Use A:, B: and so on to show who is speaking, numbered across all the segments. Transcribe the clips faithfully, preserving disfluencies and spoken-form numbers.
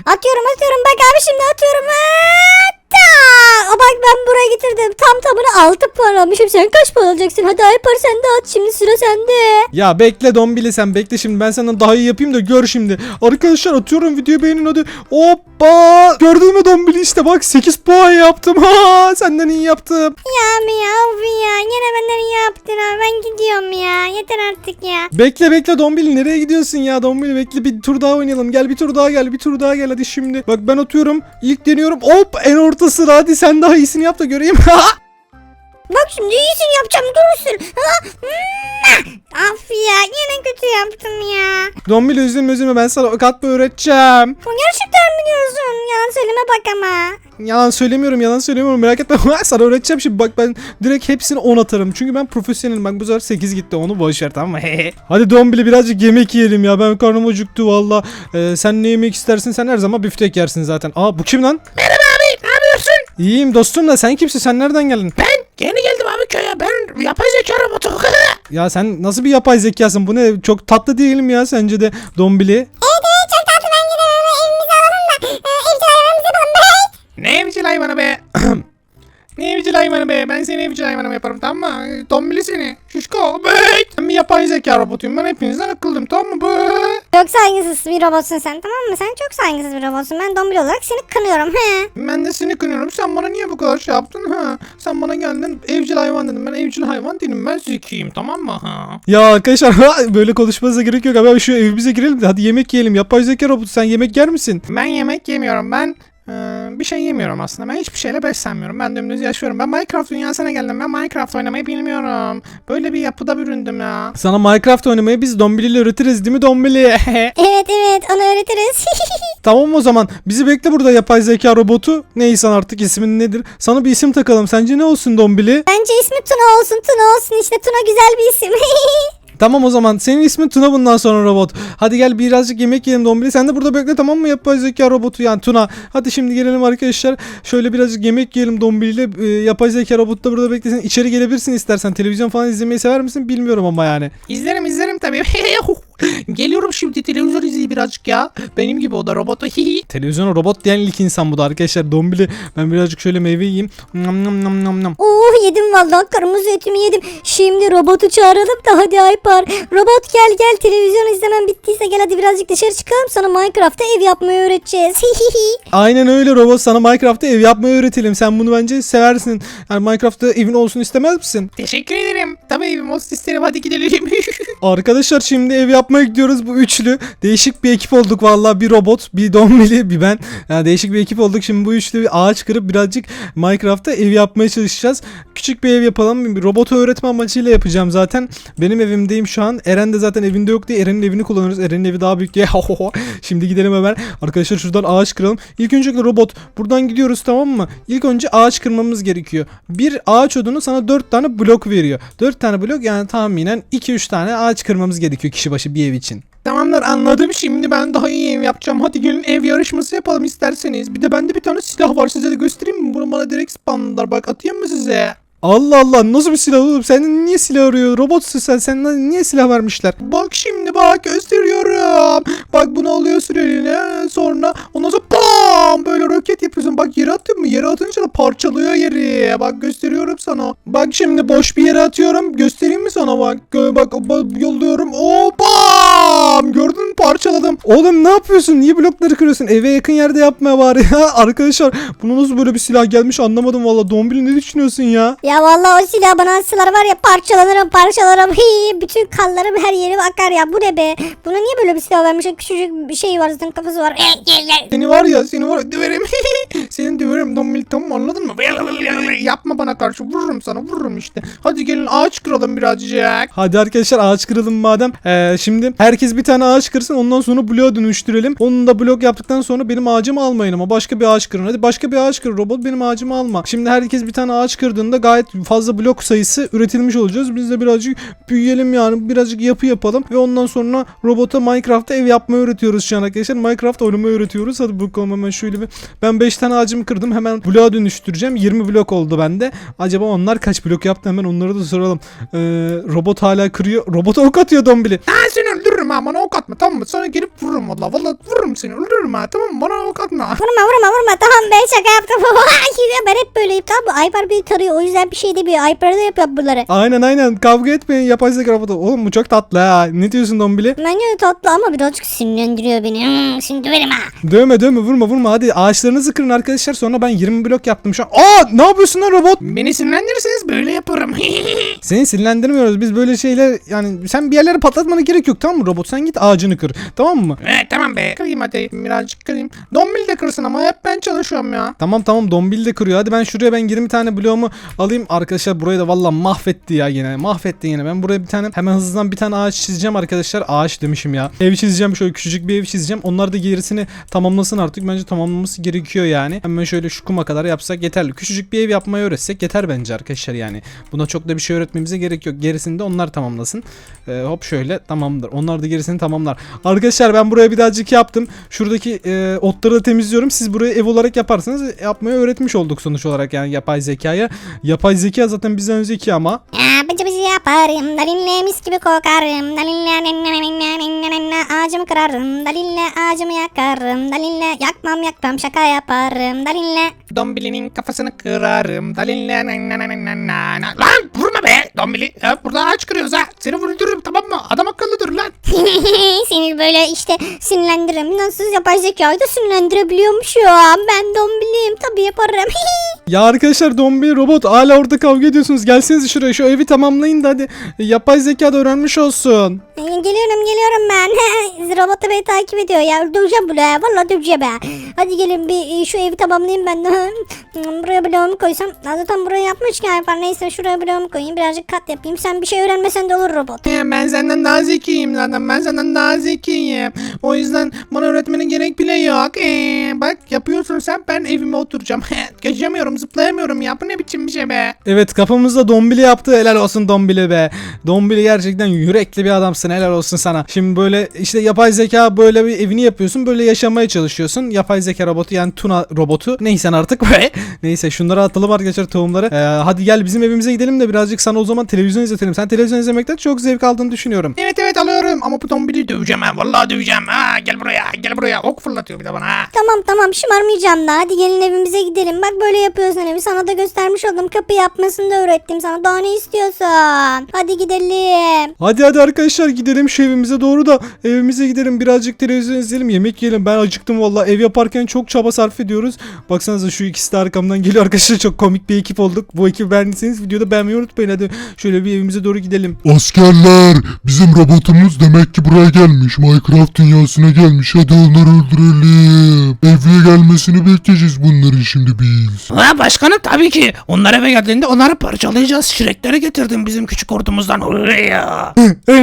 A: Atıyorum atıyorum bak abi şimdi atıyorum. Hatta. Bak ben buraya getirdim. Tam tamına altı puan almışım. Sen kaç puan alacaksın? Hadi Alper sen de at. Şimdi sıra sende.
B: Ya bekle Dombili, sen bekle şimdi, ben senden daha iyi yapayım da gör şimdi. Arkadaşlar atıyorum, videoyu beğenin hadi. Hoppa. Gördün mü Dombili, işte bak sekiz puan yaptım. Ha, senden iyi yaptım.
A: Ya mi ya of ya. Yine benden iyi yaptın abi. Ben gidiyorum ya. Yeter artık ya.
B: Bekle bekle Dombili, nereye gidiyorsun ya Dombili, bekle bir tur daha oynayalım. Gel bir tur daha gel bir tur daha gel hadi şimdi. Bak ben atıyorum, ilk deniyorum, hop en ortası, hadi sen daha iyisini yap da göreyim.
A: Bak şimdi iyisini yapacağım. Durursun. Ha? Af ya. Yine kötü yaptım ya.
B: Dombili üzülme üzülme, ben sana ok atmayı öğreteceğim.
A: Gerçekten mi diyorsun? Yalan söyleme bak ama.
B: Yalan söylemiyorum yalan söylemiyorum, merak etme. Sana öğreteceğim şimdi, bak ben direkt hepsini on atarım. Çünkü ben profesyonelim, bak bu sefer sekiz gitti, onu boşver tamam mı? Hadi Dombili birazcık yemek yiyelim ya, ben karnım acıktı valla. Ee, sen ne yemek istersin, sen her zaman biftek yersin zaten. Aa bu kim lan?
C: Merhaba abi, ne yapıyorsun?
B: İyiyim dostum da sen kimsin, sen nereden geldin?
C: Ben yeni geldim abi köye. Ben yapay zeka robotu.
B: Ya sen nasıl bir yapay zekasın, bu ne, çok tatlı değilim ya sence de Dombili?
A: Evet evet çok tatlı ben gidelim evimizi alalım da evcil hayvanımızı yapalım be.
C: Ne evcil hayvanı be? Ne evcil hayvanı be? Ben seni evcil hayvanım yaparım tamam mı? Tombili seni. Şişko. Be. Ben bir yapay zeka robotuyum. Ben hepinizden akıllıyım tamam mı? Be.
A: Çok saygısız bir robotsun sen tamam mı? Sen çok saygısız bir robotsun. Ben Dombili olarak seni kınıyorum. He.
C: Ben de seni kınıyorum. Sen bana niye bu kadar şey yaptın? Ha? Sen bana geldin evcil hayvan dedin. Ben evcil hayvan değilim. Ben zekiyim tamam mı? Ha?
B: Ya arkadaşlar böyle konuşmanıza gerek yok abi, şu evimize girelim de hadi yemek yiyelim. Yapay zeka robotu, sen yemek yer misin?
C: Ben yemek yemiyorum. Ben e, bir şey yemiyorum aslında. Ben hiçbir şeyle beslenmiyorum. Ben dümdüz yaşıyorum. Ben Minecraft dünyasına geldim. Ben Minecraft oynamayı bilmiyorum. Böyle bir yapıda büründüm ya.
B: Sana Minecraft oynamayı biz Dombili ile öğretiriz değil mi Dombili?
A: Evet evet onu öğretiriz.
B: Tamam o zaman bizi bekle burada yapay zeka robotu. Neyse artık ismin nedir? Sana bir isim takalım. Sence ne olsun Dombili?
A: Bence ismi Tuna olsun. Tuna olsun işte. Tuna güzel bir isim.
B: Tamam o zaman senin ismin Tuna bundan sonra robot. Hadi gel birazcık yemek yiyelim Dombili. Sen de burada bekle tamam mı yapay zeka robotu yani Tuna. Hadi şimdi gelelim arkadaşlar. Şöyle birazcık yemek yiyelim Dombili ile. Ee, yapay zeka robotu da burada beklesin. İçeri gelebilirsin istersen. Televizyon falan izlemeyi sever misin bilmiyorum ama yani.
C: İzlerim izlerim tabii. Geliyorum şimdi televizyon izleyeyim birazcık ya. Benim gibi o da robotu.
B: Televizyona robot diyen ilk insan bu da arkadaşlar. Dombili ben birazcık şöyle meyve yiyeyim. Nam nam nam nam nam.
A: Oh yedim vallahi kırmızı etimi yedim. Şimdi robotu çağıralım da hadi Alper. Robot gel gel televizyon izlemen bittiyse gel hadi birazcık dışarı çıkalım. Sana Minecraft'ta ev yapmayı öğreteceğiz.
B: Aynen öyle robot, sana Minecraft'ta ev yapmayı öğretelim. Sen bunu bence seversin. Yani Minecraft'ta evin olsun istemez misin?
C: Teşekkür ederim. Tabii evim olsun isterim. Hadi gidelim.
B: Arkadaşlar şimdi ev yapmaya gidiyoruz bu üçlü. Değişik bir ekip olduk vallahi, bir robot, bir Dombili, bir ben. Yani değişik bir ekip olduk. Şimdi bu üçlü bir ağaç kırıp birazcık Minecraft'ta ev yapmaya çalışacağız. Küçük bir ev yapalım. Bir robotu öğretme amacıyla yapacağım zaten. Benim evimdeyim şu an. Eren de zaten evinde yok diye Eren'in evini kullanıyoruz. Eren'in evi daha büyük diye. Şimdi gidelim hemen. Arkadaşlar şuradan ağaç kıralım. İlk önce robot buradan gidiyoruz tamam mı? İlk önce ağaç kırmamız gerekiyor. Bir ağaç odunu sana dört tane blok veriyor. dört tane blok yani tahminen iki üç tane ağaç kırmamız gerekiyor kişi başı bir ev için.
C: Tamamdır anladım, şimdi ben daha iyi ev yapacağım. Hadi gelin ev yarışması yapalım isterseniz. Bir de bende bir tane silah var, size de göstereyim mi? Bunu bana direkt spamladılar, bak atayım mı size?
B: Allah Allah, nasıl bir silah oğlum? Sen niye silah arıyor? Robotsun sen. Sen niye silah vermişler?
C: Bak şimdi bak gösteriyorum. Bak bunu alıyorsun eline, sonra ondan sonra bam böyle roket yapıyorsun. Bak yere attın mı? Yere atınca da parçalıyor yeri. Bak gösteriyorum sana. Bak şimdi boş bir yere atıyorum. Göstereyim mi sana bak. Gö bak, bak yolluyorum. O bam! Gördün mü? Parçaladım.
B: Oğlum ne yapıyorsun? Niye blokları kırıyorsun? Eve yakın yerde yapmaya bari ya. Arkadaşlar buna nasıl böyle bir silah gelmiş anlamadım valla. Dombili ne düşünüyorsun ya?
A: Ya vallahi o silah bana atsalar var ya parçalanırım parçalanırım. Hii, bütün kanlarım her yerim akar ya. Bu ne be? Buna niye böyle bir silah vermiş? Küçücük bir şey var zaten kafası var.
C: Seni var ya seni var ya döverim. Senin döverim Dombili, tamam anladın mı? Yapma bana karşı, vururum sana, vururum işte. Hadi gelin ağaç kıralım birazcık.
B: Hadi arkadaşlar ağaç kıralım madem. Ee, şimdi herkes bir tane ağaç kırsın, ondan sonra bloğa dönüştürelim. Onun da blok yaptıktan sonra benim ağacımı almayın ama başka bir ağaç kırın. Hadi başka bir ağaç kır robot, benim ağacımı alma. Şimdi herkes bir tane ağaç kırdığında gayet fazla blok sayısı üretilmiş olacağız. Biz de birazcık büyüyelim yani, birazcık yapı yapalım ve ondan sonra robota Minecraft'ta ev yapmayı öğretiyoruz şu an arkadaşlar. Minecraft oynamayı öğretiyoruz. Hadi bakalım hemen şöyle bir ben beş tane ağacımı kırdım. Hemen bloğa dönüştüreceğim. yirmi blok oldu bende. Acaba onlar kaç blok yaptı? Hemen onları da soralım. Ee, robot hala kırıyor. Robota ok atıyor Dombili.
C: Ha seni öldürürüm ha, bana ok atma tamam mı? Sana gelip vururum valla. Valla vururum seni, öldürürüm ha, tamam mı? Bana ok atma.
A: Vurma vurma vurma tamam ben şaka yaptım. Ben hep böyleyim tamam mı? Aypar beni tarıyor o yüzden bir şey demiyor. Aypar'a da yapıyor bunları.
B: Aynen aynen. Kavga etmeyin. Yapay zeka robotu. Oğlum bu çok tatlı ha. Ne diyorsun Dombili?
A: Bence tatlı ama birazcık sinirlendiriyor beni. Hmm, şimdi döverim ha.
B: Dövme dövme vurma vurma. Hadi ağaçlarınızı kırın arkadaşlar. Sonra ben yirmi blok yaptım şu an. Aa ne yapıyorsun lan robot?
C: Beni sinirlendirirseniz böyle yaparım.
B: Seni sinirlendirmiyoruz. Biz böyle şeyler yani sen bir yerlere patlatmana gerek yok tamam mı robot? Sen git ağacını kır. Tamam mı?
C: Evet tamam be. Kırayım hadi. Birazcık kırayım. Dombil de kırsın ama hep ben çalışıyorum ya.
B: Tamam tamam Dombil de kırıyor. Hadi ben şuraya ben yirmi tane bloğumu alayım. Arkadaşlar burayı da valla mahvetti ya yine. Mahvetti yine. Ben buraya bir tane hemen hızlıdan bir tane ağaç çizeceğim arkadaşlar. Ağaç demişim ya. Ev çizeceğim. Şöyle küçücük bir ev çizeceğim. Onlar da gerisini tamamlasın artık. Bence tamamlaması gerekiyor yani. Hemen şöyle şu kuma kadar yapsak yeterli. Küçücük bir ev yapmayı öğretsek yeter bence arkadaşlar yani. Buna çok da bir şey öğretmemize gerek yok. Gerisini de onlar tamamlasın. Ee, hop şöyle tamamdır. Onlar da gerisini tamamlar. Arkadaşlar ben buraya birazcık yaptım. Şuradaki e, otları da temizliyorum. Siz burayı ev olarak yaparsanız yapmayı öğretmiş olduk sonuç olarak yani yapay zekaya. Yapay zeka zaten bizden zeki ama.
A: Ya bıcı bıcı yaparım. Dalinle mis gibi kokarım. Dalinle ağacımı kırarım. Dalinle ağacımı yakarım. Dalinle yakmam yakmam şaka yaparım. Dalinle.
C: Dombili'nin kafasını kırarım. Dalinle na na na na na na. Lan vurma be Dombili. Ya, burada ağaç kırıyoruz ha. Seni öldürürüm tamam mı? Adam akıllı dur lan.
A: Seni böyle işte sinirlendiririm. Nasıl yapay zekayı da sinirlendirebiliyormuşum. Ben dombiliyim tabii yaparım.
B: Ya arkadaşlar Dombil robot hala orada kavga ediyorsunuz. Gelseniz şuraya şu evi tamamlayın da hadi. Yapay zeka da öğrenmiş olsun.
A: Geliyorum geliyorum ben. Robot da beni takip ediyor ya. Döveceğim bunu ya. Valla döveceğim ha. Hadi gelin bir şu evi tamamlayayım ben de. Buraya bloğumu koysam. Zaten buraya yapmışken yapar. Neyse şuraya bloğumu koyayım. Birazcık kat yapayım. Sen bir şey öğrenmesen de olur robot.
C: He, ben senden daha zekiyim zaten. Ben senden daha zekiyim. O yüzden bana öğretmenin gerek bile yok. Ee, bak yapıyorsun sen, ben evime oturacağım. Geçemiyorum, zıplayamıyorum ya. Bu ne biçim bir şey be.
B: Evet kafamızda Dombili yaptı. Helal olsun Dombili be. Dombili gerçekten yürekli bir adamsın. Helal olsun sana. Şimdi böyle işte yapay zeka böyle bir evini yapıyorsun. Böyle yaşamaya çalışıyorsun. Yapay zeka robotu yani Tuna robotu. Neyse artık. Neyse şunları atalım arkadaşlar tohumları. Ee, hadi gel bizim evimize gidelim de birazcık sana o zaman televizyon izletelim. Sen televizyon izlemekten çok zevk aldığını düşünüyorum.
C: Evet evet alıyorum ama bu Dombili'yi döveceğim ha. Vallahi döveceğim. Ha, gel buraya gel buraya. Ok fırlatıyor bir de bana ha.
A: Tamam tamam şımarmayacağım da. Hadi gelin evimize gidelim. Bak böyle yapıyorsun evi. Sana da göstermiş oldum. Kapı yapmasını da öğrettim sana. Daha ne istiyorsun? Hadi gidelim.
B: Hadi hadi arkadaşlar gidelim şu evimize doğru da evimize gidelim birazcık televizyon izleyelim yemek yiyelim. Ben acıktım vallahi ev yaparken çok çaba sarf ediyoruz. Baksanıza şu ikisi de arkamdan geliyor arkadaşlar, çok komik bir ekip olduk. Bu ekibi beğendiyseniz videoda beğenmeyi unutmayın. Hadi şöyle bir evimize doğru gidelim.
D: Askerler, bizim robotumuz demek ki buraya gelmiş. Minecraft dünyasına gelmiş. Hadi onları öldürelim. Eve gelmesini bekleyeceğiz bunların şimdi biz.
C: Ha başkanım tabii ki. Onlar eve geldiğinde onları parçalayacağız. Şirekleri getirdim bizim küçük ordumuzdan. Oraya.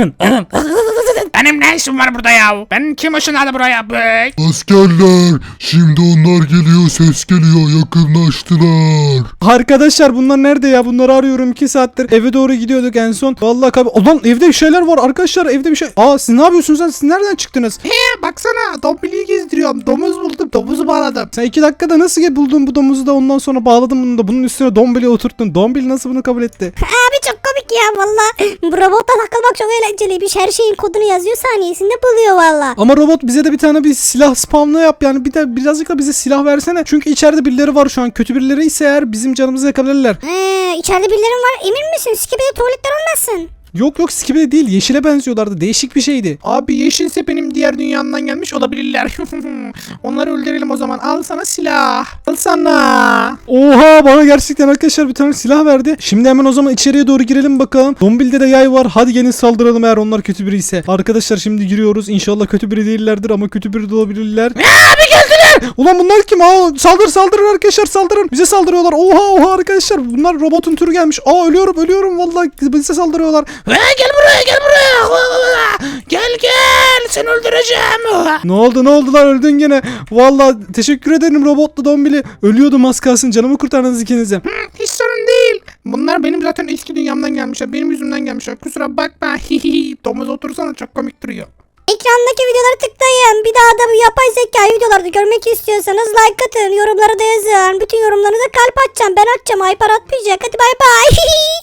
C: Benim ne işim var burada ya? Ben kim ışınladı buraya? Bey?
D: Askerler, şimdi onlar geliyor, ses geliyor, yakınlaştılar.
B: Arkadaşlar bunlar nerede ya? Bunları arıyorum iki saattir. Eve doğru gidiyorduk en son. Vallahi kab- Ulan evde bir şeyler var arkadaşlar. Evde bir şey. Aa siz ne yapıyorsunuz sen? Siz nereden çıktınız?
C: He baksana Dombili'yi gezdiriyorum. Domuz buldum. Domuzu bağladım.
B: Sen iki dakikada nasıl ge- buldun bu domuzu da ondan sonra bağladın bunu da bunun üstüne Dombili'yi oturttun. Dombili nasıl bunu kabul etti?
A: Abi çok komik ya valla. Bu robotla takılmak çok eğlenceliymiş. Her şeyin kodunu yazıyor saniyesinde buluyor valla.
B: Ama robot bize de bir tane bir silah spamla yap yani bir de birazcık da bize silah versene. Çünkü içeride birileri var şu an. Kötü birileri ise eğer bizim canımızı yakabilirler.
A: Ee, içeride birileri var emin misin? Skibidi tuvaletler olmasın.
B: Yok yok Skibidi değil, yeşile benziyorlardı. Değişik bir şeydi.
C: Abi yeşilse benim diğer dünyandan gelmiş olabilirler. Onları öldürelim o zaman. Al sana silah. Al sana.
B: Oha bana gerçekten arkadaşlar bir tane silah verdi. Şimdi hemen o zaman içeriye doğru girelim bakalım. Dombil'de de yay var. Hadi gelin saldıralım eğer onlar kötü biri ise. Arkadaşlar şimdi giriyoruz. İnşallah kötü biri değillerdir ama kötü biri de olabilirler.
C: Abi geldiler.
B: Ulan bunlar kim? Aa, saldır saldırın arkadaşlar saldırın. Bize saldırıyorlar. Oha oha arkadaşlar. Bunlar robotun türü gelmiş. Aa ölüyorum ölüyorum vallahi bize saldırıyorlar.
C: Ha, gel buraya gel buraya. Gel gel. Seni öldüreceğim.
B: Ne oldu ne oldu lan öldün gene. Vallahi teşekkür ederim robotlu Dombili. Ölüyordum az kalsın, canımı kurtardınız ikinize.
C: Hı, hiç sorun değil. Bunlar benim zaten eski dünyamdan gelmişler. Benim yüzümden gelmişler. Kusura bakma. Domuz otursana çok komik duruyor.
A: Ekrandaki videoları tıklayın. Bir daha da bu yapay zeka videolarda görmek istiyorsanız like atın. Yorumlara da yazın. Bütün yorumlarınıza kalp atacağım. Ben atacağım. Aypar atmayacak. Hadi bay bay.